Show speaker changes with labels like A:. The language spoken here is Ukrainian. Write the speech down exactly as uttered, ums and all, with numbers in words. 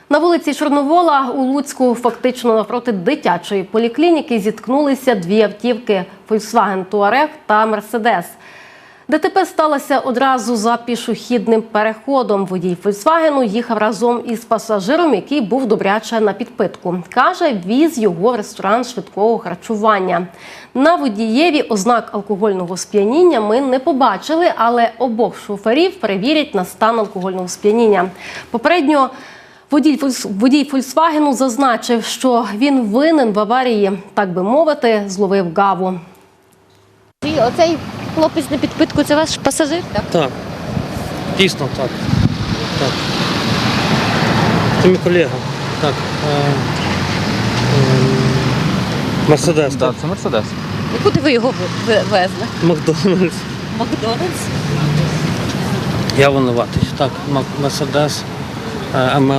A: На вулиці Чорновола у Луцьку, фактично навпроти дитячої поліклініки, зіткнулися дві автівки – Volkswagen Touareg та Mercedes. ДТП сталося одразу за пішохідним переходом. Водій «Фольксвагену» їхав разом із пасажиром, який був добряче на підпитку. Каже, віз його в ресторан швидкого харчування. На водієві ознак алкогольного сп'яніння ми не побачили, але обох шоферів перевірять на стан алкогольного сп'яніння. Попередньо Водій, водій «Фольксвагену» зазначив, що він винен в аварії, так би мовити, зловив гаву.
B: Оцей хлопець на підпитку – це ваш пасажир, так?
C: Так, дійсно так. так. Це мій колега. Так. Мерседес.
D: Так, це Мерседес.
B: І куди ви його везли?
C: Макдональдс.
B: Макдональдс?
C: Я винуватий. Так, Мерседес.